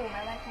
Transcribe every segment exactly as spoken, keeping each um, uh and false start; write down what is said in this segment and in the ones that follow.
ไหมไหว้ครู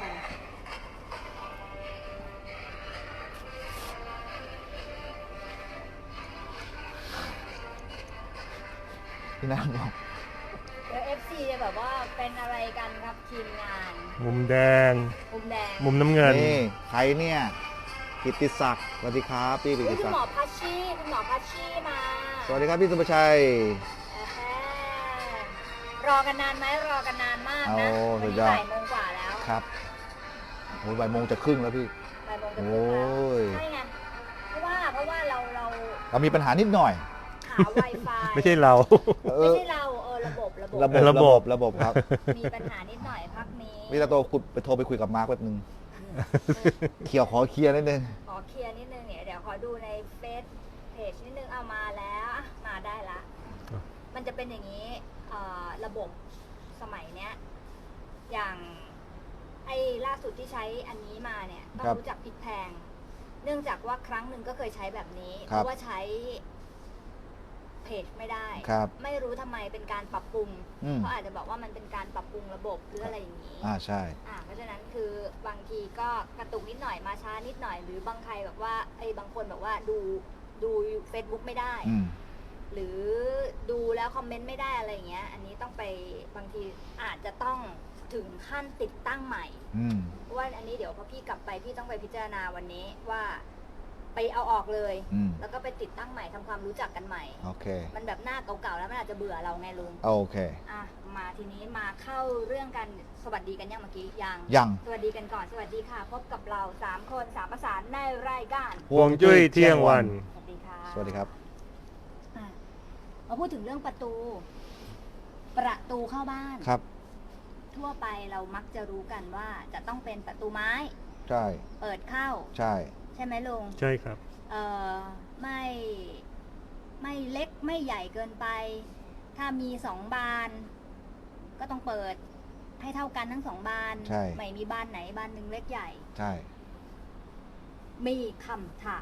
พี่นางบอกเดี๋ยวเอฟซีจะแบบว่าเป็นอะไรกันครับทีมงานมุมแดงมุมแดงมุมน้ำเงินนี่ใครเนี่ยกิตติศักดิ์สวัสดีครับพี่กิตอุ๊ยติคุศัณกหมอดิ์พัชชีคุณหมอพัชชีมาสวัสดีครับพี่สุภชัยอ่าฮะรอกันนานไหมรอกันนานมากนะโอ้วัสุนดนี้ยอดบ่ายโมงกว่าแล้วครับโอ้ยบ่ายโมงจะครึ่งแล้วพี่บ่ายโมงจะโอครึ่งแล้ว้ยใช่ไงเพราะว่าเพราะว่าเราเราเรามีปัญหานิดหน่อยหา Wi-Fi ไม่ใช่เราเอไม่อใช่เราเออระบบระบบระบบระบบระบบครับมีปัญหานิดหน่อยพักนี้พี่ตาโตคุณไปโทรไปคุยกับมาร์คแป๊บนึงเคลียร์ขอเคลียร์นิดนึงขอเคลียร์นิดนึงเนี่ยเดี๋ยวขอดูในเฟซเพจนิดนึงเอามาแล้วอ่ะมาได้ละครับมันจะเป็นอย่างนี้เอ่อระบบสมัยเนี้ยอย่างไอ้ล่าสุดที่ใช้อันนี้มาเนี่ยต้องรู้จักพลิกแพง เนื่องจากว่าครั้งหนึ่งก็เคยใช้แบบนี้ เพราะว่าใช้เพจไม่ได้ครับไม่รู้ทำไมเป็นการปรับปรุงอืมเขาอาจจะบอกว่ามันเป็นการปรับปรุงระบบหรืออะไรอย่างนี้อ่าใช่อ่าเพราะฉะนั้นคือบางทีก็กระตุกนิดหน่อยมาช้านิดหน่อย หรือบางใครแบบว่าไอ้บางคนแบบว่าดูดู Facebook ไม่ได้อืมหรือดูแล้วคอมเมนต์ไม่ได้อะไรอย่างเงี้ย อันนี้ต้องไปบางทีอาจจะต้องถึงขั้นติดตั้งใหม่อืมเพราะว่าอันนี้เดี๋ยวพอพี่กลับไปพี่ต้องไปพิจารณาวันนี้ว่าไปเอาออกเลยอืมแล้วก็ไปติดตั้งใหม่ทำความรู้จักกันใหม่โอเคมันแบบหน้าเก่าๆแล้วมันอาจจะเบื่อเราไงลุงโอเคอ่ะมาทีนี้มาเข้าเรื่องกันสวัสดีกันยังเมื่อกี้ยังยังสวัสดีกันก่อนสวัสดีค่ะ พบกับเราสามคนสามประสานในรายการฮวงจุ้ยเที่ยงวันสวัสดีค่ะสวัสดีครับอ่ะมาพูดถึงเรื่องประตู ประตูเข้าบ้านครับทั่วไปเรามักจะรู้กันว่าจะต้องเป็นประตูไม้ใช่เปิดเข้าใช่ใช่ไหมลุงใช่ครับเอ่อไม่ไม่เล็กไม่ใหญ่เกินไป ถ้ามีสองบาน ก็ต้องเปิดให้เท่ากันทั้งสองบานใช่ไม่มีบานไหนบานหนึ่งเล็กใหญ่ใช่มีคำถาม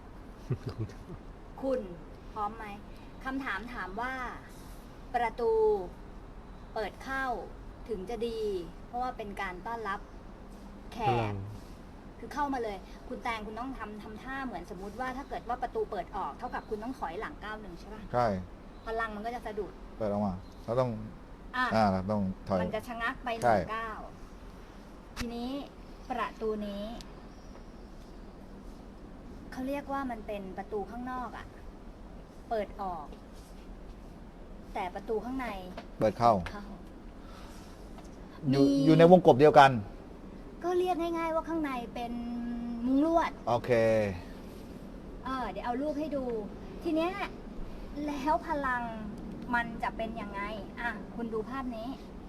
คุณพร้อมไหมคำถามถามว่า ประตูเปิดเข้าถึงจะดี เพราะว่าเป็นการต้อนรับแขพลักงคือเข้ามาเลย คุณแตงคุณต้องทำทำท่าเหมือนสมมติว่าถ้าเกิดว่าประตูเปิดออกเท่ากับคุณต้องถอยหลังก้าวหนึ่งใช่ป่ะใช่พลังมันก็จะสะดุดเปิดออกมาเราต้องอ่ะอ่าเราต้องถอยมันจะชะงักไปหใช่นึ่งก้าวทีนี้ประตูนี้เขาเรียกว่ามันเป็นประตูข้างนอกอะ่ะ เปิดออก แต่ประตูข้างในเปิดเข้าเข้าอยู่มีอยู่ในวงกบเดียวกันก็เรียกง่ายๆว่าข้างในเป็นมุ้งลวดโอเคเออเดี๋ยวเอารูปให้ดู ทีเนี้ยแล้วพลังมันจะเป็นยังไง อ่ะ คุณดูภาพนี้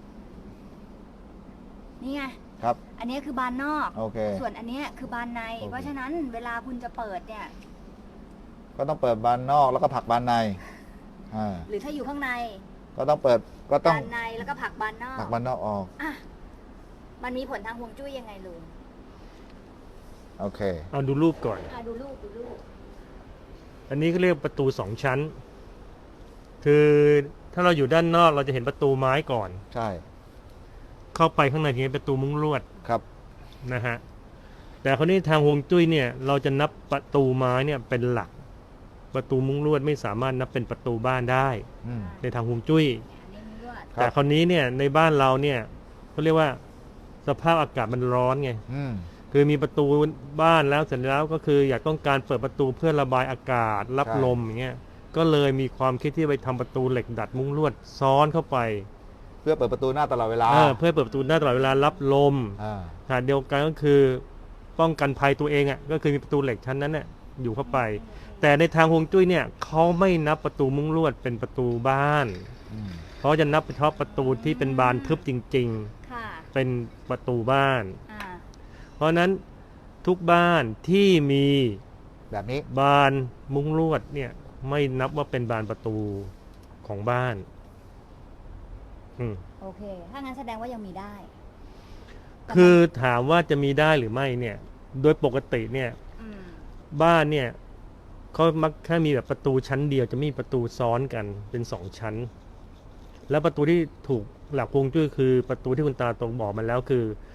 นี่ไงครับอันนี้คือบานนอกโอเคส่วนอันเนี้ยคือบานในโอเคเพราะฉะนั้นเวลาคุณจะเปิดเนี่ยก็ต้องเปิดบานนอกแล้วก็ผลักบานในอ่าหรือถ้าอยู่ข้างในก็ต้องเปิดก็ต้องบานในแล้วก็ผลักบานนอกผลักบานนอกออกอ่ะ มันมีผลทางฮวงจุ้ยยังไงลุงโอเคเอาดูรูปก่อนอ่ะดูรูปดูรูปอันนี้ก็เรียกประตูสองชั้น คือถ้าเราอยู่ด้านนอกเราจะเห็นประตูไม้ก่อนใช่เข้าไปข้างในทีนี้ประตูมุ้งลวดครับนะฮะ แต่คราวนี้ทางฮวงจุ้ยเนี่ย เราจะนับประตูไม้เนี่ยเป็นหลัก ประตูมุ้งลวดไม่สามารถนับเป็นประตูบ้านได้อืมในทางฮวงจุ้ยอันนี้มุ้งลวดครับแต่คราวนี้เนี่ยในบ้านเราเนี่ยเขาเรียกว่าสภาพอากาศมันร้อนไงอืมคือมีประตูบ้านแล้วเสร็จแล้วก็คืออยากต้องการเปิดประตูเพื่อระบายอากาศรับใช่ลมอย่างเงี้ย ก็เลยมีความคิดที่ไปทำประตูเหล็กดัดมุ้งลวดซ้อนเข้าไปเพื่อเปิดประตูหน้าตลอดเวลาเออเพื่อเปิดประตูได้ตลอดเวลารับลมอ่าขณะเดียวกันก็คือป้องกันภัยตัวเองอ่ะก็คือมีประตูเหล็กชั้นนั้นเนี่ยอยู่เข้าไป แต่ในทางฮวงจุ้ยเนี่ยเขาไม่นับประตูมุ้งลวดเป็นประตูบ้านอืมเพราะจะนับเฉพาะประตูที่เป็นบานทึบจริงค่ะๆ เป็นประตูบ้านอ่าเพราะฉะนั้นทุกบ้านที่มีแบบนี้บานมุ้งลวดเนี่ยไม่นับว่าเป็นบานประตูของบ้านอืมโอเค ถ้างั้นแสดงว่ายังมีได้คือถามว่าจะมีได้หรือไม่เนี่ย โดยปกติเนี่ยอืมบ้านเนี่ยเขามักแค่มีแบบประตูชั้นเดียวจะไมมีประตูซ้อนกันเป็นสองชั้น แล้วประตูที่ถูกหลักฮวงจุ้ยคือประตูที่คุณตาตรงบอกมาแล้วคือ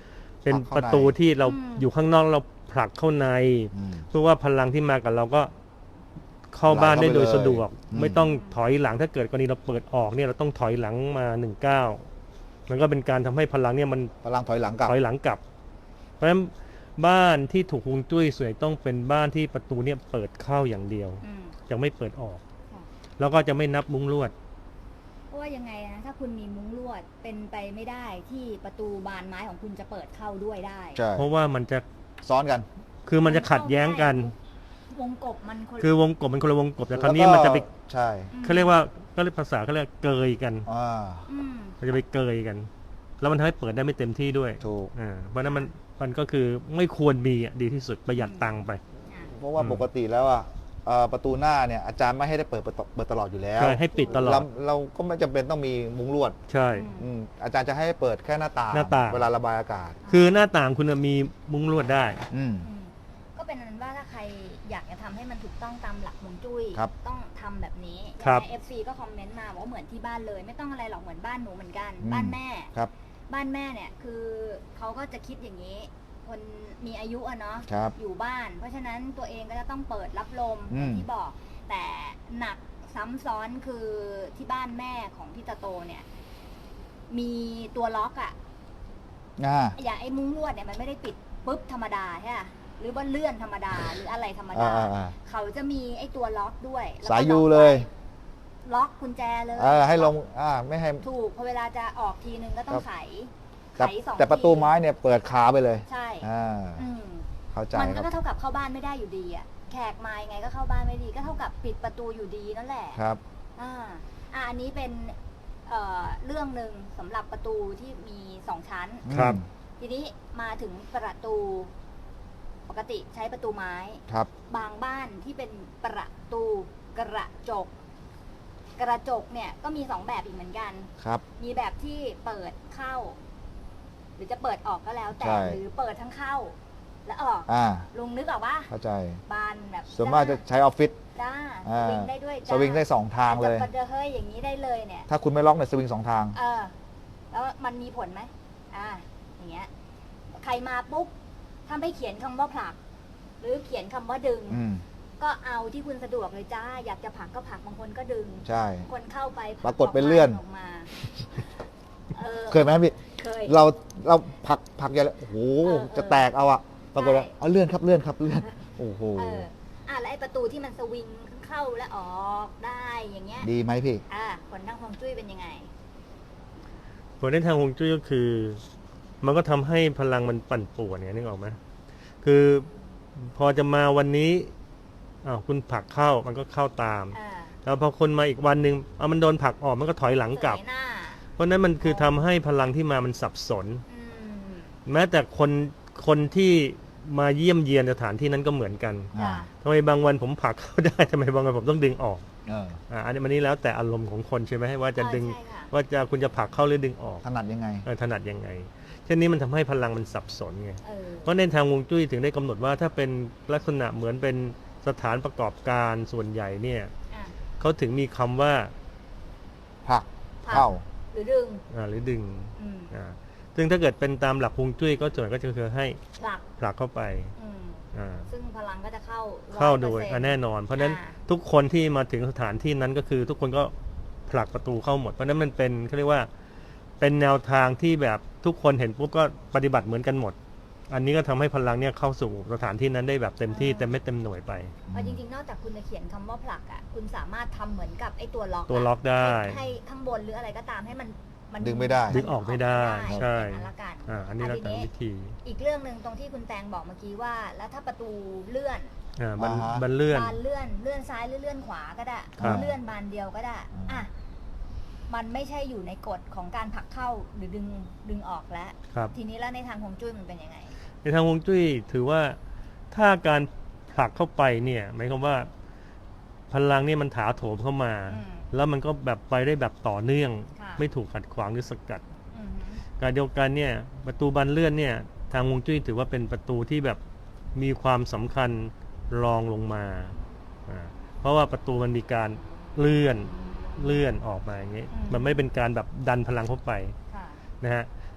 เป็นผลักเข้าประตูที่เราอืมอยู่ข้างนอกเราผลักเข้าในอืมเพื่อว่าพลังที่มากับเราก็เข้าบ้านได้โดยสะดวกอืมไม่ต้องถอยหลังถ้าเกิดกรณีเราเปิดออกเนี่ยเราต้องถอยหลังมาหนึ่งเก้ามันก็เป็นการทำให้พลังเนี่ยมันพลังถอยหลังกลับถอยหลังกลับ เพราะฉะนั้นบ้านที่ถูกฮวงจุ้ยส่วนใหญ่ต้องเป็นบ้านที่ประตูเนี่ยเปิดเข้าอย่างเดียวอืมจะไม่เปิดออกค่ะแล้วก็จะไม่นับมุ้งลวดเพราะว่ายังไงนะถ้าคุณมีมุ้งลวดเป็นไปไม่ได้ที่ประตูบานไม้ของคุณจะเปิดเข้าด้วยได้ใช่เพราะว่ามันจะซ้อนกันคือมันจะขัดแย้งกันวงกบมันคนคือวงกบมันคนละวงกบแต่คราวนี้มันจะไปใช่เขาเรียกว่าก็เรียกภาษาเขาเรียกเกยกันอ่าอืมมันจะไปเกยกัน แล้วมันทำให้เปิดได้ไม่เต็มที่ด้วยถูกอ่าเพราะฉะนั้นมันมันก็คือไม่ควรมีอ่ะดีที่สุดประหยัดตังค์ไปอ่ะเพราะว่าอืมปกติแล้วอ่ะเอ่อประตูหน้าเนี่ยอาจารย์ไม่ให้ได้เปิดเปิดเปิดตลอดอยู่แล้วใช่ให้ปิดตลอเราดเราก็ไม่จำเป็นต้องมีมุ้งลวดใช่อืมอาจารย์จะให้เปิดแค่หน้าต่างหน้าต่างเวลาระบายอากาศคือหน้าต่างคุณน่ะมีมุ้งลวดได้อืมอืมก็เป็นนั้นว่าถ้าใครอยากจะทำให้มันถูกต้องตามหลักฮวงจุ้ยครับต้องทำแบบนี้ครับในเอฟซีก็คอมเมนต์มาบอกว่าเหมือนที่บ้านเลย ไม่ต้องอะไรหรอกเหมือนบ้านหนูเหมือนกันอืมบ้านแม่ครับบ้านแม่เนี่ยคือเขาก็จะคิดอย่างนี้ คนมีอายุอะเนาะครับอยู่บ้าน เพราะฉะนั้นตัวเองก็จะต้องเปิดรับลมอืมอย่างที่บอก แต่หนักซ้ำซ้อนคือที่บ้านแม่ของพี่ตาโตเนี่ย มีตัวล็อกอะอ่าอย่างไอ้มุ้งลวดเนี่ยมันไม่ได้ปิดปุ๊บธรรมดาใช่ไหมหรือว่าเลื่อนธรรมดาหรืออะไรธรรมอ่าดาอ่าอ่าเขาจะมีไอ้ตัวล็อกด้วยแล้วก็สายยูล็อกเลยไว้ล็อกกุญแจเลยเออให้ลงอ่าไม่ให้ถูกพอเวลาจะออกทีนึงก็ต้อครังบไขแต่ไขสองแต่ประตูทีไม้เนี่ยเปิดขาไปเลยใช่อ่าอืมเข้าใจมันครับก็เท่ากับเข้าบ้านไม่ได้อยู่ดีอ่ะแขกมายังไงก็เข้าบ้านไม่ดีก็เท่ากับปิดประตูอยู่ดีนั่นแหละครับอ่าอ่าอันนี้เป็นเอ่อเรื่องหนึ่งสำหรับประตูที่มีสองชั้นครับอืมทีนี้มาถึงประตูปกติใช้ประตูไม้ครับบางบ้านที่เป็นประตูกระจก กระจกเนี่ยก็มีสองแบบอีกเหมือนกันครับมีแบบที่เปิดเข้า หรือจะเปิดออกก็แล้วแต่ใช่หรือเปิดทั้งเข้า และออกอ่าลุงนึกออกว่าเข้าใจบานแบบส่วนมากจะใช้ออฟฟิศจ้าสอ่าวิงได้ด้วยสวิงได้สองทางเลยจะเฮ้ยอย่างนี้ได้เลยเนี่ยถ้าคุณไม่ล็อกเนี่ยสวิงสองทางเออ แล้วมันมีผลไหมอ่า อย่างเงี้ย ใครมาปุ๊บ ถ้าไม่เขียนคำว่าผลัก หรือเขียนคำว่าดึงอืมก็เอาที่คุณสะดวกเลยจ้า อยากจะผลักก็ผลัก บางคนก็ดึงใช่บางคนเข้าไปผปรากฏเป็นเลื่อนออกมาเออเคยไหมพี่เคยเราเราผลักผลักใหญ่เลยโอ้โหเออจะแตกเอาอะปรากฏว่าใช่เอาเลื่อนครับเลื่อนครับเลื่อนโอ้โหเออ อ่ะแล้วไอ้ประตูที่มันสวิงเข้าและออกได้อย่างเงี้ยดีไหมพี่อ่ะผลทางฮวงจุ้ยเป็นยังไงผลในทางฮวงจุ้ยก็คือ มันก็ทำให้พลังมันปั่นป่วนเนี่ยนึกออกไหมคือพอจะมาวันนี้อ้าวคุณผลักเข้ามันก็เข้าตามอ่าแล้วพอคนมาอีกวันหนึ่งเอามันโดนผลักออกมันก็ถอยหลังกลับเสยหน้าเพราะฉะนั้นมันคือทำให้พลังที่มามันสับสนอืมแม้แต่คนคนที่มาเยี่ยมเยียนสถานที่นั้นก็เหมือนกันอ่าจ้ะทำไมบางวันผมผลักเข้าได้ ทำไมบางวันผมต้องดึงออกเอออ่าอันนี้มันนี้แล้วแต่อารมณ์ของคนใช่ไหมว่าจะดึงใช่ค่ะว่าจะคุณจะผลักเข้าหรือดึงออกถนัดยังไงเออถนัดยังไงเช่นนี้มันทำให้พลังมันสับสนไงเออเพราะในทางฮวงจุ้ยถึงได้กำหนดว่าถ้าเป็นลักษณะเหมือนเป็นสถานประกอบการส่วนใหญ่เนี่ยอ่ะเขาถึงมีคำว่าผลักผลักเข้าหรือดึงอ่าหรือดึงอืมอ่าซึ่งถ้าเกิดเป็นตามหลักฮวงจุ้ยก็ส่วนใหญ่ก็จะคือให้ผลักผลักเข้าไปอืมอ่าซึ่งพลังก็จะเข้าเข้าโดยร้อปอร์เซ็นต์อ่ะแน่นอน เพราะฉะนั้นอ่าทุกคนที่มาถึงสถานที่นั้นก็คือ ทุกคนก็ผลักประตูเข้าหมด เพราะฉะนั้นมันเป็นเขาเรียกว่าเป็นแนวทางที่แบบทุกคนเห็นปุ๊บก็ปฏิบัติเหมือนกันหมด อันนี้ก็ทำให้พลังเนี่ยเข้าสู่สถานที่นั้นได้แบบเต็มที่เต็มเม็ดเต็มหน่วยไปเพราะจริงๆ นอกจากคุณจะเขียนคำว่าผลักอ่ะ คุณสามารถทำเหมือนกับไอ้ตัวล็อกะตัวล็อกได้ให้ให้ข้างบนหรืออะไรก็ตามให้มันมันดึงไม่ได้ดึงออกไม่ได้ใช่อย่างนั้นละกันอ่าอันนี้แล้วแต่วิธีอีกเรื่องหนึ่งตรงที่คุณแตงบอกเมื่อกี้ว่า แล้วถ้าประตูเลื่อนอ่าบันอ่าฮะบันเลื่อนบานเลื่อนเลื่อนซ้ายหรือเลื่อนขวาก็ได้ครับเลื่อนบานเดียวก็ได้อืมอ่ะมันไม่ใช่อยู่ในกฎของการผลักเข้าหรือดึงดึงออกแล้วครับทีนี้แล้วในทางฮวงจุ้ยมันเป็นยังไงในทางฮวงจุ้ยถือว่าถ้าการผลักเข้าไปเนี่ยหมายความว่าพลังเนี่ยมันถาโถมเข้ามาอืมแล้วมันก็แบบไปได้แบบต่อเนื่องค่ะไม่ถูกขัดขวางหรือสกัดอือหือการเดียวกันเนี่ยประตูบานเลื่อนเนี่ยทางฮวงจุ้ยถือว่าเป็นประตูที่แบบมีความสำคัญรองลงมาอ่าเพราะว่าประตูมันมีการเลื่อนเลื่อนออกมาอย่างนี้ มันไม่เป็นการแบบดันพลังเข้าไปค่ะนะฮะ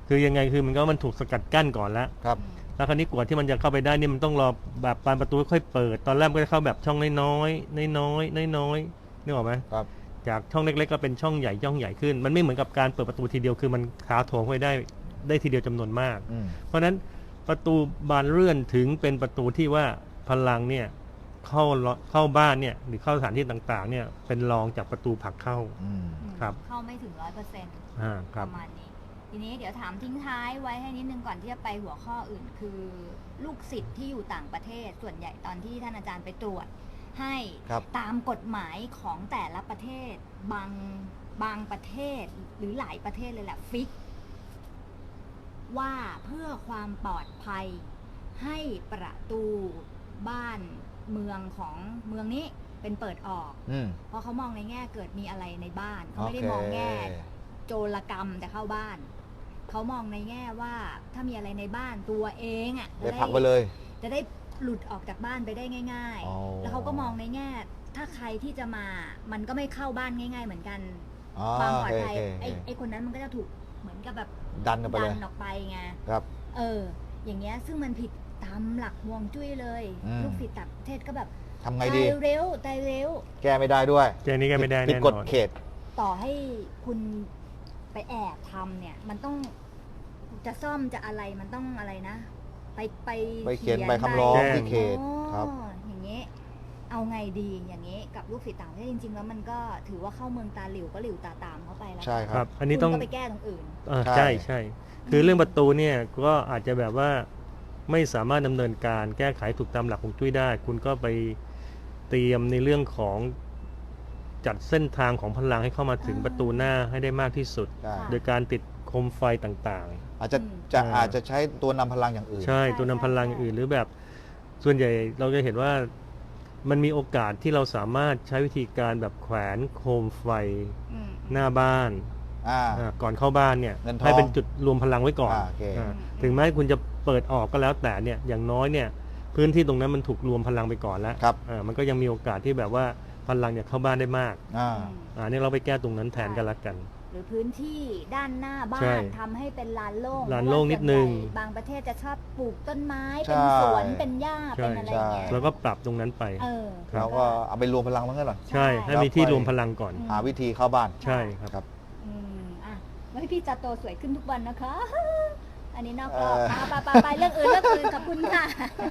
คือยังไงคือมันก็มันถูกสกัดกั้นก่อนแล้วครับแล้วคราวนี้กว่าที่มันจะเข้าไปได้นี่มันต้องรอแบบบานประตูค่อยเปิด ตอนแรกมันก็จะเข้าแบบช่องน้อยๆน้อยๆน้อยๆนึกออกไหมครับจากช่องเล็กๆก็เป็นช่องใหญ่ช่องใหญ่ขึ้น มันไม่เหมือนกับการเปิดประตูทีเดียวคือมันถาโถมเข้าไปได้ได้ทีเดียวจำนวนมากอืมเพราะฉะนั้นประตูบานเลื่อนถึงเป็นประตูที่ว่าพลังเนี่ยเข้าเข้าบ้านเนี่ยหรือเข้าสถานที่ต่างๆเนี่ยเป็นรองจากประตูผลักเข้าอืมครับเข้าไม่ถึงร้อยเปอร์เซ็นต์อ่าคปรับระมาณนี้ ทีนี้เดี๋ยวถามทิ้งท้ายไว้ให้นิดนึงก่อนที่จะไปหัวข้ออื่น คือลูกศิษย์ที่อยู่ต่างประเทศส่วนใหญ่ตอนที่ท่านอาจารย์ไปตรวจ ให้ครับตามกฎหมายของแต่ละประเทศบางบางประเทศหรือหลายประเทศเลยแหละฟิก ว่าเพื่อความปลอดภัยให้ประตูบ้านเมืองของเมืองนี้เป็นเปิดออกอืมเพราะเขามองในแง่เกิดมีอะไรในบ้านเขาโอไม่ได้เคมองแง่โจรกรรมจะเข้าบ้าน เขามองในแง่ว่าถ้ามีอะไรในบ้านตัวเองอ่ะได้พักไปเลยจะได้หลุดออกจากบ้านไปได้ง่ายอ๋อๆ แล้วเขาก็มองในแง่ ถ้าใครที่จะมามันก็ไม่เข้าบ้านง่าย ๆ เหมือนกันอ๋อความปลอดโอภัยเคไอ้โอเคไอ้คนนั้นมันก็จะถูกเหมือนกับแบบดันกันไปดัเลยนออกไปไงครับเออ อย่างเงี้ยซึ่งมันผิดตามหลักฮวงจุ้ยเลยอืมลูกศิษย์ต่างประเทศก็แบบทำไงตาดียเร็วตายเร็วแก้ไม่ได้ด้วยแกนี้ก็ไม่ได้ผิดแน่กนฎอนเขตต่อให้คุณไปแอบทำเนี่ย มันต้องจะซ่อมจะอะไรมันต้องอะไรนะ ไปไปไปเขียนใบคำร้องแจ้งที่เขตอ๋อครับอย่างเงี้ยเอาไงดีอย่างเงี้ยกับลูกศิษย์ต่างประเทศจริง ๆ แล้วมันก็ถือว่าเข้าเมืองตาหลิวก็หลิวตาตามเข้าไปแล้วใช่คครัรับ บ อันนี้ต้องคุณก็ไปแก้ตรงอื่นอ่าใช่ใช่ใช่ คือเรื่องประตูเนี่ยก็อาจจะแบบว่าไม่สามารถดำเนินการแก้ไขถูกตามหลักของจุ้ยได้ คุณก็ไปเตรียมในเรื่องของจัดเส้นทางของพลังให้เข้ามาถึงอ่าประตูหน้าให้ได้มากที่สุดใช่โดยการติดโคมไฟต่างอาจจะอืมจะอ่าอาจจะใช้ตัวนำพลังอย่างอื่นๆ ใช่ใช่ตัวนำพลังใช่อื่นหรือแบบส่วนใหญ่เราจะเห็นว่ามันมีโอกาสที่เราสามารถใช้วิธีการแบบแขวนโคมไฟอืมหน้าบ้านอ่าอ่าก่อนเข้าบ้านเนี่ยเงินทองให้เป็นจุดรวมพลังไว้ก่อนอ่าโอเคอ่าถึงแม้คุณจะเปิดออกก็แล้วแต่เนี่ยอย่างน้อยเนี่ยพื้นที่ตรงนั้นมันถูกรวมพลังไปก่อนแล้วครับอ่ามันก็ยังมีโอกาสที่แบบว่าพลังเนี่ยเข้าบ้านได้มากอ่าอืมอ่านี่เราไปแก้ตรงนั้นแทนกันละกันหรือพื้นที่ด้านหน้าบ้าใช่นทำให้เป็นลานโล่งลานโล่งนิดนึงเพราะว่าส่วใหญ่บางประเทศจะชอบปลูกต้นไม้ใช่เป็นสวนเป็นหญ้าใช่เป็นอะไรอย่างเงี้ยแล้วก็ปรับตรงนั้นไปเออเราก็เอาไปรวมพลังมันกันหรอใช่ให้มีที่รวมพลังก่อนอืมหาวิธีเข้าบ้านใช่ครับครับอืมอ่ะแล้วให้พี่จาโตสวยขึ้นทุกวันนะคะ อันนี้นอกรเออบอไปไปไปเรื่องอื่นเรื่องอื่นขอบคุณค่ะ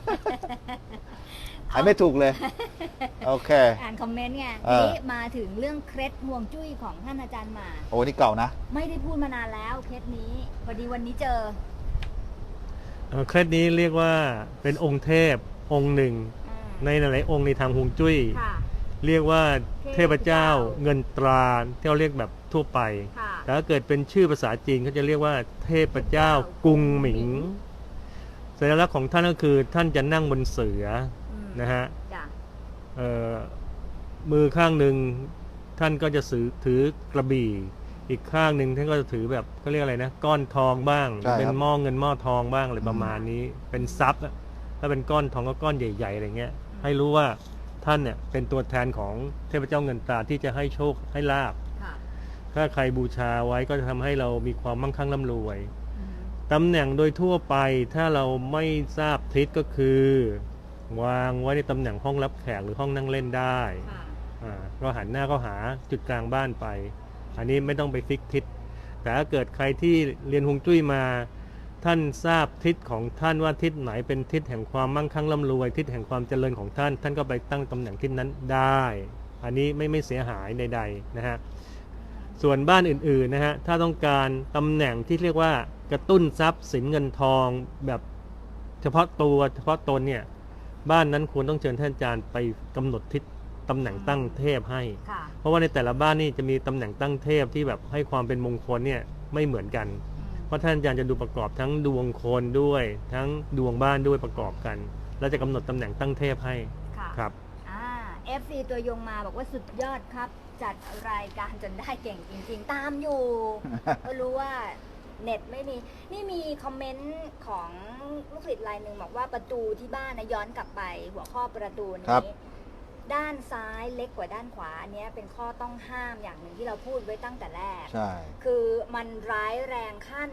หายไม่ถูกเลย โอเคอ่านคอมเมนต์ไงเอทีอนี้มาถึงเรื่องเคล็ดห่วงจุ้ยของท่านอาจารย์หมาโอ้นี่เก่านะไม่ได้พูดมานานแล้วเคล็ดนี้พอดีวันนี้เจอเอ่อเคล็ดนี้เรียกว่าเป็นองค์เทพองค์หนึ่งอ่าในหลายๆองค์ในทางฮวงจุ้ยค่ะเรียกว่าเทพเจ้าเทพเจ้าเงินตราที่เราเรียกแบบทั่วไปค่ะแต่ถ้าเกิดเป็นชื่อภาษาจีนเขาจะเรียกว่าเทพเจ้ากรุงหมิง สัญลักษณ์ของท่านก็คือท่านจะนั่งบนเสืออืมนะฮะจ้ะเอ่อมือข้างหนึ่งท่านก็จะถือถือกระบี่ อีกข้างหนึ่งท่านก็จะถือแบบก็เรียกอะไรนะก้อนทองบ้างใช่ครับเป็นหม้อเงินหม้อทองบ้างอะไรประมาณนี้ เป็นทรัพย์อะถ้าเป็นก้อนทองก็ก้อนใหญ่ๆอะไรเงี้ย ให้รู้ว่าท่านเนี่ยเป็นตัวแทนของเทพเจ้าเงินตราที่จะให้โชคให้ลาบค่ะถ้าใครบูชาไว้ก็จะทำให้เรามีความมั่งคั่งร่ำรวยอืมตำแหน่งโดยทั่วไปถ้าเราไม่ทราบทิศก็คือ วางไว้ในตำแหน่งห้องรับแขกหรือห้องนั่งเล่นได้ค่ะอ่าก็หันหน้าก็หาจุดกลางบ้านไป อันนี้ไม่ต้องไปฟิกทิศแต่ถ้าเกิดใครที่เรียนฮวงจุ้ยมา ท่านทราบทิศของท่านว่าทิศไหนเป็นทิศแห่งความมั่งคั่งร่ำรวย ทิศแห่งความเจริญของท่าน ท่านก็ไปตั้งตำแหน่งทิศนั้นได้ อันนี้ไม่ไม่เสียหายใดๆนะฮะส่วนบ้านอื่นๆนะฮะถ้าต้องการตำแหน่งที่เรียกว่ากระตุ้นทรัพย์สินเงินทองแบบเฉพาะตัวเฉพาะตนเนี่ยบ้านนั้นควรต้องเชิญท่านอาจารย์ไปกำหนดทิศตำแหน่งตั้งเทพให้ค่ะเพราะว่าในแต่ละบ้านนี่จะมีตำแหน่งตั้งเทพที่แบบให้ความเป็นมงคลเนี่ยไม่เหมือนกันอืมเพราะท่านอาจารย์จะดูประกอบทั้งดวงคนด้วย ทั้งดวงบ้านด้วยประกอบกัน แล้วจะกำหนดตำแหน่งตั้งเทพให้ค่ะครับอ่า เอฟ ซี ตัวยงมาบอกว่าสุดยอดครับ จัดรายการจนได้เก่งจริง ๆ ตามอยู่ ก็รู้ว่าเน็ตไม่มี นี่มีคอมเมนต์ของลูกศิษย์รายหนึ่งบอกว่าประตูที่บ้านนะย้อนกลับไป หัวข้อประตูครันี้บด้านซ้ายเล็กกว่าด้านขวา อันเนี้ยเป็นข้อต้องห้ามอย่างหนึ่งที่เราพูดไว้ตั้งแต่แรกใช่คือมันร้ายแรงขั้น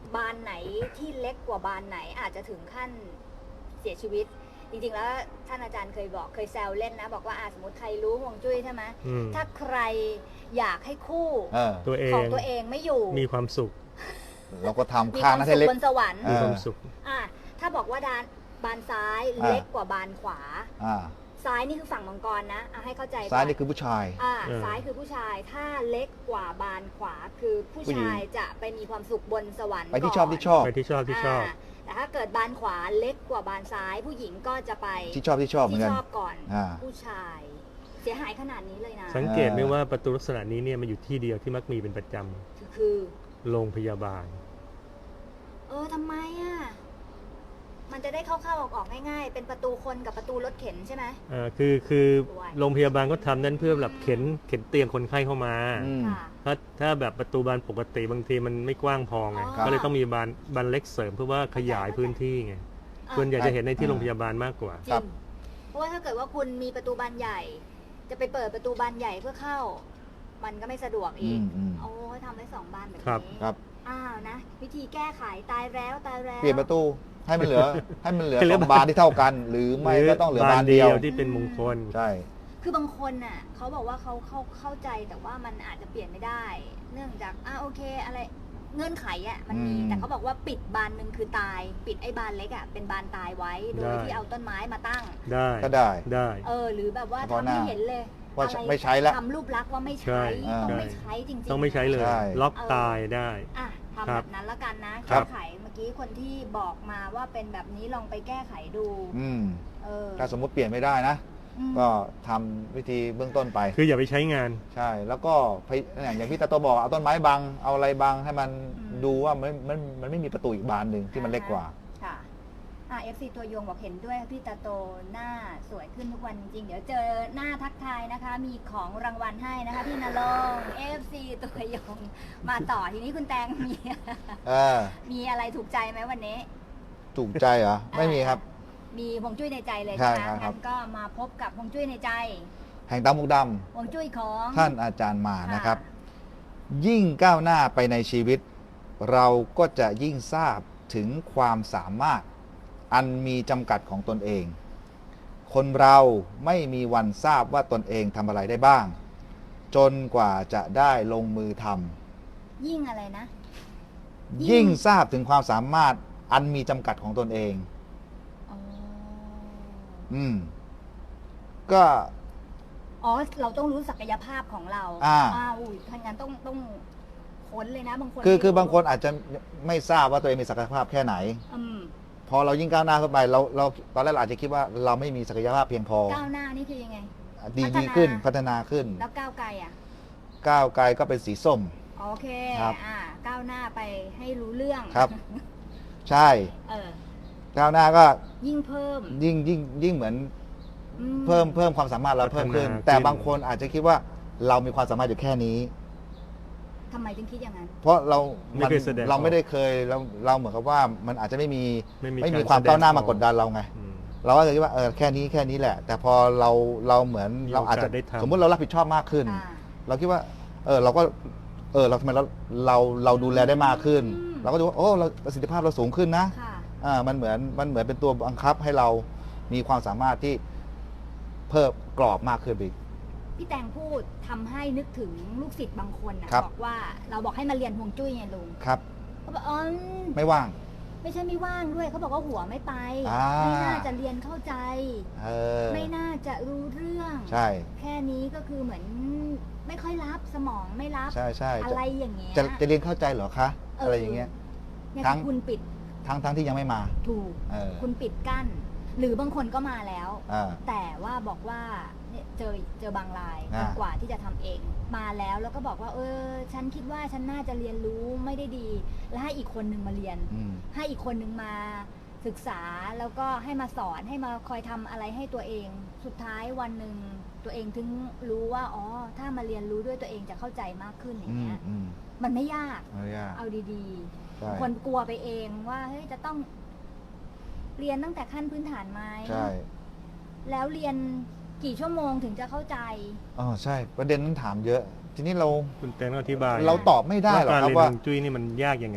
บานไหนที่เล็กกว่าบานไหนอาจจะถึงขั้นเสียชีวิต จริงๆแล้วท่านอาจารย์เคยบอกเคยแซวเล่นนะ บอกว่าอาสมมติใครรู้ฮวงจุ้ยใช่ไหมอืมถ้าใครอยากให้คู่เออตัวเอของ งตัวเองไม่อยู่มีความสุขเราก็ทำมีข้างความนั้นสุให้ขเล็กบนสวรรค์เอมีอความสุขอ่ะถ้าบอกว่าดานบานซ้ายอ่าเล็กกว่าบานขวาอ่าซ้ายนี่คือฝั่งมังกรนะเอาให้เข้าใจก่ซ้ายนี่คือผู้ชายอ่าเออซ้ายคือผู้ชายถ้าเล็กกว่าบานขวาคือผู้ผู้หญิงชายจะไปมีความสุขบนสวรรค์ไปที่ก่นชอบที่ชอบไปที่ชอบที่ชอบาแต่ถ้าเกิดบานขวาเล็กกว่าบานซ้าย ผู้หญิงก็จะไปที่ชอบที่ชอบเหมือนที่กันชอบก่อนอ่าผู้ชาย เสียหายขนาดนี้เลยนะสังเกตไหมว่าประตูลักษณะนี้เนี่ยมันอยู่ที่เดียวที่มักมีเป็นประจคือำโรงพยาบาลเออทำไมอ่ะมันจะได้เข้าๆออกๆง่ายๆ เป็นประตูคนกับประตูรถเข็นใช่ไหมอ่าคือคือด้วยโรงพยาบาลก็ทำนั่นเพื่อแบบเข็นเข็นเตียงคนไข้เข้ามาอืมค่ะถ้าถ้าแบบประตูบานปกติบางทีมันไม่กว้างพอไงอ๋อก็เลยต้องมีบานบานเล็กเสริมเพื่อว่าขยายพื้นที่ไงอ่ะส่วนใหญ่จะเห็นในที่อ่าโรงพยาบาลมากกว่าจริงเพราะว่าถ้าเกิดว่าคุณมีประตูบานใหญ่ จะไปเปิดประตูบานใหญ่เพื่อเข้า มันก็ไม่สะดวกอือีกมอืมโอ้ยทำไว้สองบานแบบครับนี้ครับอ้าวนะ วิธีแก้ไขตายแล้วตายแล้วเปลี่ยนประตูให้มันเหลือ ให้มันเหลือให้เหลืสอองบานที่เท่ากัน หรือไม่ก็ต้องเหลือบานเดียวที่เป็นมงคลใช่คือบางคนน่ะเขาบอกว่าเขาเข้าเข้าใจแต่ว่ามันอาจจะเปลี่ยนไม่ได้ เนื่องจากอ่าโอเคอะไรเงื่อนไขอ่ะมันมีอืมแต่เขาบอกว่าปิดบานหนึ่งคือตาย ปิดไอ้บานเล็กอ่ะเป็นบานตายไว้ โดยได้ที่เอาต้นไม้มาตั้งได้ก็ได้ได้เออ หรือแบบว่าเฉพาะทำหน้าให้เห็นเลยว่าอะไรไม่ใช้แล้วทำรูปลักษณ์ว่าไม่ใช่ใช้ ต้องใช่ไม่ใช้จริงๆต้องไม่ใช้เลยใช่ล็อกเออตายได้อ่ะทำครัแบบ บนั้นแล้วกันนะครัแก้บไขเมื่อกี้คนที่บอกมาว่าเป็นแบบนี้ลองไปแก้ไขดูอืมเออถ้าสมมติเปลี่ยนไม่ได้นะอืมก็ทำวิธีเบื้องต้นไปคืออย่าไปใช้งานใช่ แล้วก็พยอย่างอย่างพี่ตาโตบอกเอาต้นไม้บัง เอาอะไรบังให้มันดูว่ามันมันมันไม่มีประตูอีกบานหนึ่งที่มันเล็กกว่าค่ะอ่าเอฟซีตัวยงบอกเห็นด้วยพี่ตาโตหน้าสวยขึ้นทุกวันจริงๆเดี๋ยวเจอหน้าทักทายนะคะ มีของรางวัลให้นะคะพี่นรงค์เอฟซีตัวยงมาต่อทีนี้คุณแตงมีเออมีอะไรถูกใจไหมวันนี้ถูกใจเหรอ ไม่มีครับมีฮวงจุ้ยในใจเลยใช่ใช่ไหมครับงั้นก็มาพบกับฮวงจุ้ยในใจแห่งตามุกดฮวงจุ้ยของำท่านอาจารย์มานะครับค่ะยิ่งก้าวหน้าไปในชีวิต เราก็จะยิ่งทราบถึงความสามารถ อันมีจำกัดของตนเอง คนเราไม่มีวันทราบว่าตนเองทำอะไรได้บ้าง จนกว่าจะได้ลงมือทำยิ่งอะไรนะ ยิ่งยิ่งทราบถึงความสามารถอันมีจำกัดของตนเองอ๋ออืม ก็อ๋อเราต้องรู้ศักยภาพของเราอ่าอุ้ยถ้างั้นต้องต้องค้นเลยนะบางคนคือไม่คือบางคนรู้อาจจะไม่ทราบว่าตัวเองมีศักยภาพแค่ไหนอืมพอเรายิ่งก้าวหน้าเข้าไปเราเราตอนแรกเราอาจจะคิดว่าเราไม่มีศักยภาพเพียงพอก้าวหน้านี่คือยังไงดีพัฒนาดีขึ้นพัฒนาขึ้นแล้วก้าวไกลอ่ะก้าวไกลก็เป็นสีส้มโอเคครับอ่าก้าวหน้าไปให้รู้เรื่องครับ ใช่เออก้าวหน้าก็ยิ่งเพิ่มยิ่งยิ่งยิ่งเหมือนอืเพิ่มเพิ่มความสามารถเราเพิ่มขึ้นพัฒนาขึ้นแต่บางคนอาจจะคิดว่าเรามีความสามารถอยู่แค่นี้ทำไมถึงคิดอย่างนั้นเพราะเราไม่เคยแสดงเราไม่ได้เคยเราเราเหมือนกับว่ามันอาจจะไม่มีไม่มีไม่มีการความแสดงก้าวหน้าออกมากดดันเราไงอืมเราก็เลยคิดว่าเออแค่นี้แค่นี้แหละ แต่พอเราเราเหมือนมีเราอาจจะโอกาสได้ทำสมมุติเรารับผิดชอบมากขึ้นอ่าเราคิดว่า เออเราก็เออเราทำไมเราเราเราดูแลได้มากขึ้นอืมเราก็ดูว่าโอ้เราประสิทธิภาพเราสูงขึ้นนะค่ะอ่ามันเหมือนมันเหมือนเป็นตัวบังคับให้เรามีความสามารถที่เพิ่มกรอบมากขึ้นไปอีกพี่แตงพูดทำให้นึกถึงลูกศิษย์บางคนนะครับ บอกว่าเราบอกให้มาเรียนฮวงจุ้ยไงลุงครับเขาบอกอ๋อไม่ว่างไม่ใช่ไม่ว่างด้วยเขาบอกว่าหัวไม่ไปอ่าไม่น่าจะเรียนเข้าใจเออไม่น่าจะรู้เรื่องใช่แค่นี้ก็คือเหมือนไม่ค่อยรับสมองไม่รับใช่ใช่อะจะไรอย่างเงี้ยจะจะเรียนเข้าใจเหรอคะเออออะไรอย่างเงี้ยเนี่ยทั้งคือคุณปิดทั้งทั้งที่ยังไม่มาถูกเออคุณปิดกั้น หรือบางคนก็มาแล้วอ่าแต่ว่าบอกว่าเนี่ยเจอเจอบางรายอ่ากว่าที่จะทำเองมาแล้วแล้วก็บอกว่า เออ ฉันคิดว่าฉันน่าจะเรียนรู้ไม่ได้ดี แล้วให้อีกคนหนึ่งมาเรียนอืมให้อีกคนหนึ่งมาศึกษาแล้วก็ให้มาสอนให้มาคอยทำอะไรให้ตัวเอง สุดท้ายวันหนึ่งตัวเองถึงรู้ว่าอ๋อถ้ามาเรียนรู้ด้วยตัวเองจะเข้าใจมากขึ้นอย่างอืมเงี้ยอืมมันไม่ยากไม่ยากเอาดีใช่ๆ คนกลัวไปเองว่าเฮ้ยจะต้องเรียนตั้งแต่ขั้นพื้นฐานไหมใช่แล้วเรียนกี่ชั่วโมงถึงจะเข้าใจอ๋อใช่ ประเด็นนั้นถามเยอะ ทีนี้เราคุณแตงต้องอธิบายเราตอบไม่ได้หรอกว่าคการรับเรียนว่าฮวงจุ้ยนี่มันยากยังไง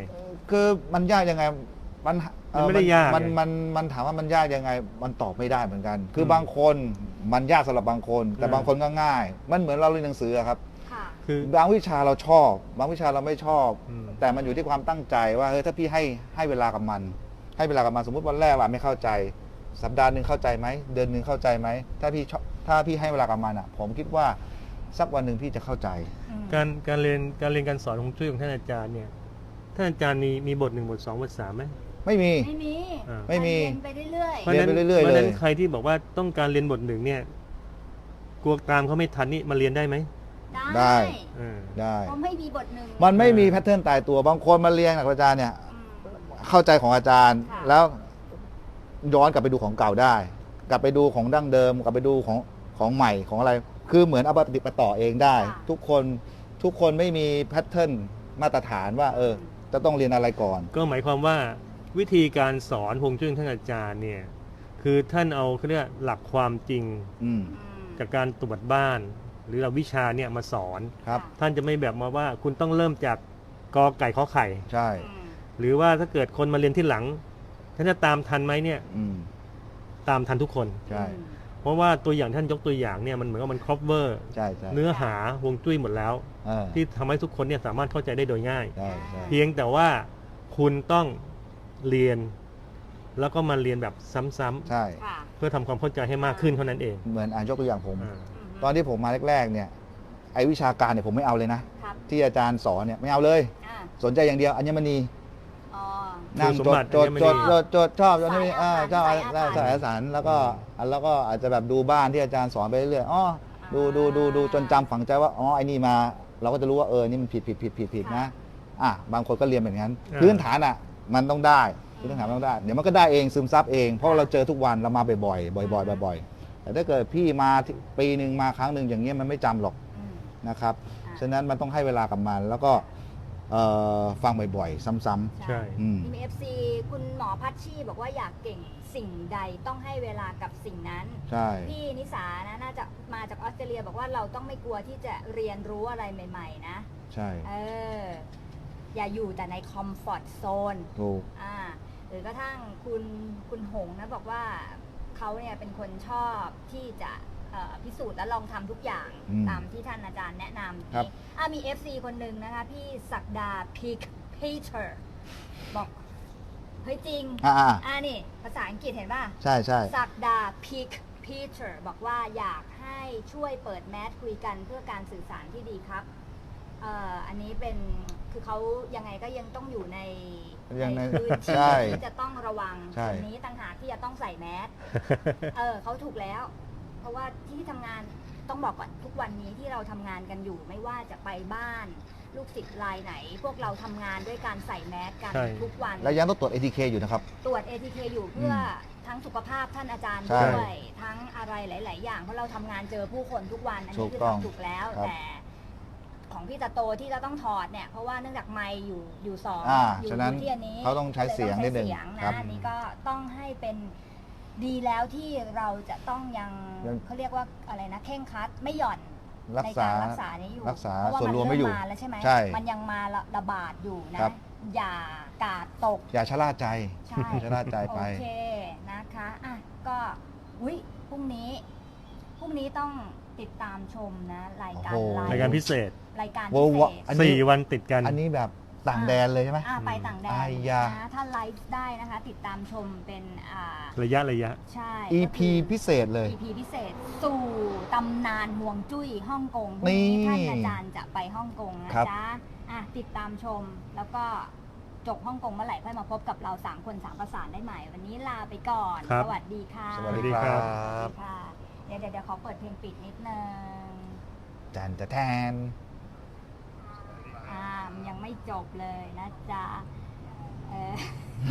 คือมันยากยังไงมันเอ่อมันไม่ได้ยากมันไงมันมันถามว่ามันยากยังไง มันตอบไม่ได้เหมือนกัน คืออมบางคนมันยากสำหรับบางคน แต่อ่าบางคนก็ง่าย มันเหมือนเราเรียนหนังสืออะครับค่ะคือบางวิชาเราชอบ บางวิชาเราไม่ชอบอืมแต่มันอยู่ที่ความตั้งใจว่าเฮ้ยถ้าพี่ให้ให้เวลากับมัน ให้เวลากับมันสมมติวันแรกว่าไม่เข้าใจ สัปดาห์หนึ่งเข้าใจไหมเดือนหนึ่งเข้าใจไหมถ้าพี่ชอบถ้าพี่ให้เวลากับมันอ่ะ ผมคิดว่าสักวันหนึ่งพี่จะเข้าใจอืมการการเรียนการเรียนการสอนของช่วยของท่านอาจารย์เนี่ยท่านอาจารย์มีมีบทหนึ่งบทสองบทสามไหมไม่มีไม่มีอ่าไม่มีเรียนไปเรื่อยเพราะฉะนั้นเรียนไปเรื่อยๆเพราะฉะนั้นเลยใครที่บอกว่าต้องการเรียนบทหนึ่งเนี่ยกลัวตามเขาไม่ทันนี่มาเรียนได้ไหมๆได้อ่าได้เพราะไม่มีบทหนึ่งมันไม่มีแพทเทิร์นตายตัวบางคนมาเรียนกับอาจารย์เนี่ยอืมเข้าใจของอาจารย์ค่ะแล้วย้อนกลับไปดูของเก่าได้ กลับไปดูของดั้งเดิม กลับไปดูของของใหม่ของอะไร คือเหมือนเอาไปปฏิบัติต่อเองได้ ทุกคนทุกคนไม่มีแพทเทิร์นมาตรฐานว่า เออ จะต้องเรียนอะไรก่อนก็หมายความว่าวิธีการสอนฮวงจุ้ยของท่านอาจารย์เนี่ยคือท่านเอาเขาเรียกหลักความจริงอืมอืมจากการตรวจบ้าน หรือเราวิชาเนี่ยมาสอนครับท่านจะไม่แบบมาว่าคุณต้องเริ่มจากกอไก่ขอไข่ใช่อืมหรือว่าถ้าเกิดคนมาเรียนที่หลังท่านจะตามทันไหมเนี่ยอืมตามทันทุกคนใช่เพราะว่าตัวอย่างท่านยกตัวอย่างเนี่ยมันเหมือนกับมันครอบเวอร์ใช่ใช่เนื้อหาฮวงจุ้ยหมดแล้วเออที่ทำให้ทุกคนเนี่ยสามารถเข้าใจได้โดยง่ายใช่ใช่เพียงแต่ว่าคุณต้องเรียน แล้วก็มาเรียนแบบซ้ำใช่ค่ะๆเพื่อทำความเข้าใจให้มากขึ้นเท่านั้นเองเหมือนอ่านยกตัวอย่างผมอ่ามตอนที่ผมมาแรกๆเนี่ยไอ้วิชาการเนี่ยผมไม่เอาเลยนะครับที่อาจารย์สอนเนี่ยไม่เอาเลยอ่าสนใจอย่างเดียวอัญมณีอ๋อนั่งคุณจสมดบัติจดอัญมณีจดจดจดชอบจดนี่อ่าสายอาชอบสายอาถรรพ์สายสายแล้วก็แล้วก็อาจจะแบบดูบ้านที่อาจารย์สอนไปเรื่อยๆอ๋อดูดูดูดูจนจำฝังใจว่าอ๋อไอ้นี่มา เราก็จะรู้ว่าเออนี่มันผิดผิดผิดผิดผิดนะอ่ะบางคนก็เรียนแบบนั้นอ่าพื้นฐานอ่ะมันต้องได้พื้นฐานมันต้องได้เดี๋ยวมันก็ได้เองซึมซับเองเพราะว่าเราเจอทุกวันเรามาบ่อยๆบ่อยๆบ่อยๆแต่ถ้าเกิดพี่มาที่ปีหนึ่งมาครั้งหนึ่งอย่างเงี้ยมันไม่จำหรอกอืมนะครับอ่าฉะนั้นมันต้องให้เวลากับมัน แล้วก็เอ่อฟังบ่อยๆ ซ้ำใช่ๆอืมมีเอฟซีคุณหมอพัชชีบอกว่าอยากเก่งสิ่งใดต้องให้เวลากับสิ่งนั้นใช่พี่นิสานะน่าจะมาจากออสเตรเลียบอกว่าเราต้องไม่กลัวที่จะเรียนรู้อะไรใหม่ ๆ นะใช่เออ อย่าอยู่แต่ในคอมฟอร์ตโซนถูกอ่าหรือกระทั่งคุณคุณหงนะบอกว่าเขาเนี่ยเป็นคนชอบที่จะเอ่อพิสูจน์และลองทำทุกอย่างอืมตามที่ท่านอาจารย์แนะนำครับนี่อ่ะมี เอฟ ซี คนหนึ่งนะคะ พี่ศักดาพีคพีเตอร์บอก เฮ้ยจริงอ่าอ่านี่ ภาษาอังกฤษเห็นป่ะใช่ใช่ศักดาพีคพีเตอร์บอกว่าอยากให้ช่วยเปิดแมสคุยกันเพื่อการสื่อสารที่ดีครับเอ่ออันนี้เป็นคือเขายังไงก็ยังต้องอยู่ในยังในพื้นที่ใช่ที่จะต้องระวังใช่ตรงนี้ต่างหากที่จะต้องใส่แมสเออเขาถูกแล้ว เพราะว่าที่ทำงานต้องบอกก่อนทุกวันนี้ที่เราทำงานกันอยู่ไม่ว่าจะไปบ้าน ลูกศิษย์รายไหน พวกเราทำงานด้วยการใส่แมสกันใช่ทุกวันแล้วยังต้องตรวจ เอ ที เค อยู่นะครับตรวจ เอ ที เค อยู่เพื่ออทั้งสุขภาพท่านอาจารย์ใช่ด้วย ทั้งอะไรหลาย ๆ อย่าง เพราะเราทำงานเจอผู้คนทุกวัน อันถูนี้กคือต้องทำถูกแล้วครับแต่ของพี่ตาโตที่เราต้องถอดเนี่ย เพราะว่าเนื่องจากไมค์อยู่อยู่สองอ่าอยู่ฉะนั้นอยู่ที่อันนี้เขาต้องใช้เสียงนิดนึงเลยต้องใช้เสียงครับนะอันนี้ก็ต้องให้เป็นดีแล้วที่เราจะต้องยังยังเขาเรียกว่าอะไรนะเข่งครัดไม่หย่อนรักในษาการรักษานี้อยู่รักษาเพราะว่าส่วนมันรวมเริ่ไม่อยู่มมาแล้วใช่ไหมใช่มันยังมาระระบาดอยู่นะครับ อย่ากาดตกอย่าชะล่าใจใช่ชะล่าใจไปโอเคนะคะอ่ะก็อุ้ยพรุ่งนี้พรุ่งนี้ต้องติดตามชมนะ รายการโอ้โหไลฟ์รายการพิเศษรายการโว้พิวะเศษอันนี้สี่วันติดกันอันนี้แบบต่างแดนเลยใช่ไหมอ่ะไปต่างแดนอายานะถ้าไลฟ์ได้นะคะ ติดตามชมเป็นอ่าระยะระยะใช่อีก็พีคือพิเศษเลยอี พี พิเศษ สู่ตำนานห่วงจุ้ยฮ่องกงพรุ่งนี่นี้ท่านอาจารย์จะไปฮ่องกงนะครับ จ๊ะอ่ะติดตามชมแล้วก็จบฮ่องกงเมื่อไหร่ค่อยมาพบกับเราสามคนสามประสานได้ใหม่ วันนี้ลาไปก่อนครับสวัสดีค่ะสวัสดีสวัสดีคครัรับสวัสดีค่ะเดี๋ยวเดี๋ยวเดี๋ยวขอเปิดเพลงปิดนิดนึงจันจะแทนอ่ามันยังไม่จบเลยนะจ๊ะเออ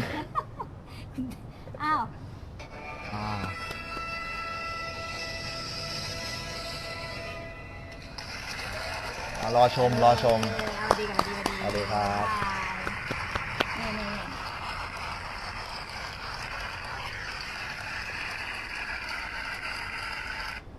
อ้าวอ่าอ่ารอชม รอชมเออเอาดีกันดีกันดีเอาดีครับค่ะ